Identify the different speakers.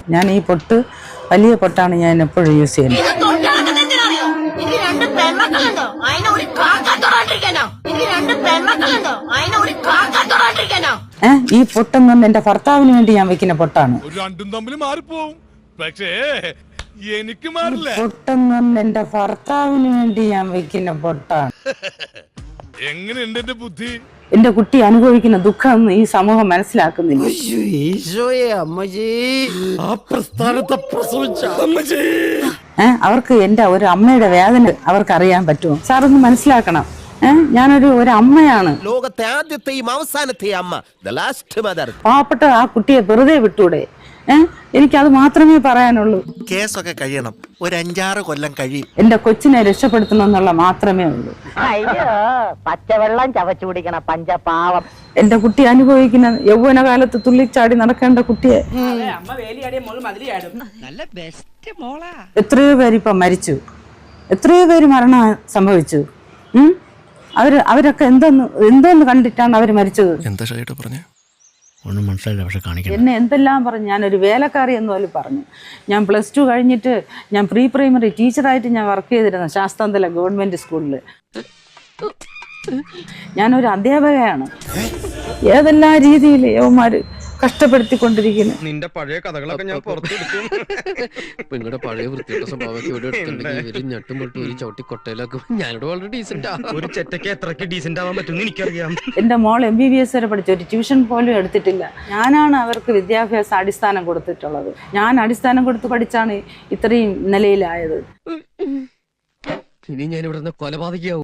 Speaker 1: ഞാൻ ഈ പൊട്ട് വലിയ പൊട്ടാണ് ഞാൻ എപ്പോഴും യൂസ് ചെയ്യുന്നത്. ഈ പൊട്ടെന്ന് എന്റെ ഭർത്താവിന് വേണ്ടി ഞാൻ വെക്കുന്ന പൊട്ടാണ്.
Speaker 2: എനിക്ക് മാറില്ല.
Speaker 1: പൊട്ടെന്ന് എന്റെ ഭർത്താവിന് വേണ്ടി ഞാൻ വെക്കുന്ന പൊട്ടാണ്.
Speaker 2: എങ്ങനെയുണ്ട് എന്റെ ബുദ്ധി?
Speaker 1: എന്റെ കുട്ടി അനുഭവിക്കുന്ന ദുഃഖം ഈ സമൂഹം മനസ്സിലാക്കുന്നില്ല. അവർക്ക് എന്റെ ഒരു അമ്മയുടെ വേദന അവർക്ക് അറിയാൻ പറ്റുമോ? സാർ ഒന്ന് മനസ്സിലാക്കണം. ഞാനൊരു അമ്മയാണ്.
Speaker 3: ലോകത്തെ ആദ്യത്തെയും അവസാനത്തെയും അമ്മ,
Speaker 1: പാവപ്പെട്ട ആ കുട്ടിയെ വെറുതെ വിട്ടൂടെ? എനിക്കത് മാത്രമേ പറയാനുള്ളൂ.
Speaker 4: കേസൊക്കെ കഴിയണം, ഒരു 5-6 കൊല്ലം കഴിയും.
Speaker 1: എന്റെ കൊച്ചിനെ രക്ഷപ്പെടുത്തണമെന്നുള്ള മാത്രമേ ഉള്ളൂ.
Speaker 5: അയ്യോ, പച്ചവെള്ളം ചവച്ചു കുടിക്കണ പഞ്ചപാവം.
Speaker 1: എന്റെ കുട്ടി അനുഭവിക്കുന്ന യൗവനകാലത്ത് തുള്ളിച്ചാടി നടക്കേണ്ട കുട്ടിയെ എത്രയോ പേര് ഇപ്പൊ മരിച്ചു, എത്രയോ പേര് മരണം സംഭവിച്ചു. അവരൊക്കെ എന്തോന്ന് കണ്ടിട്ടാണ് അവര് മരിച്ചത്?
Speaker 4: എന്താ ഷൈട്ട് പറഞ്ഞേ?
Speaker 6: ഒന്നും മനസ്സിലായില്ല, പക്ഷെ കാണിക്കണം.
Speaker 1: എന്നെ എന്തെല്ലാം പറഞ്ഞു. ഞാനൊരു വേലക്കാരി എന്ന് പോലും പറഞ്ഞു. ഞാൻ +2 കഴിഞ്ഞിട്ട് ഞാൻ പ്രീ പ്രൈമറി ടീച്ചറായിട്ട് ഞാൻ വർക്ക് ചെയ്തിരുന്നു ശാസ്താംതല ഗവൺമെന്റ് സ്കൂളിൽ. ഞാനൊരു അധ്യാപകയാണ്. ഏതെല്ലാം രീതിയിൽ യവന്മാര് കഷ്ടപ്പെടുത്തിക്കൊണ്ടിരിക്കുന്നു.
Speaker 7: നിന്റെ പഴയ കഥകളൊക്കെ ഞാൻ പുറത്തെടുക്കും. നിങ്ങളുടെ പഴയ വൃത്തിയുടെ സ്വഭാവമൊക്കെ ഇവിടെ എടുത്തിട്ടുണ്ടെങ്കിൽ ഞെട്ടും പൊട്ടും ഒരു ചവിട്ടി കൊട്ടയിലാക്കും. ഞാനിവിടെ വളരെ ഡീസെന്റ്. ഒരു ചെറ്റയ്ക്ക് എത്രയ്ക്ക് ഡീസെന്റ് ആവാൻ പറ്റും എനിക്കറിയാം.
Speaker 1: എന്റെ മോൾ MBBS വരെ പഠിച്ചു, ഒരു ട്യൂഷൻ പോലും എടുത്തിട്ടില്ല. ഞാനാണ് അവർക്ക് വിദ്യാഭ്യാസ അടിസ്ഥാനം കൊടുത്തിട്ടുള്ളത്. ഞാൻ അടിസ്ഥാനം കൊടുത്ത് പഠിച്ചാണ് ഇത്രയും നിലയിലായത്.
Speaker 7: ഇനി ഞാൻ ഇവിടെ നിന്ന് കൊലപാതകയാവും.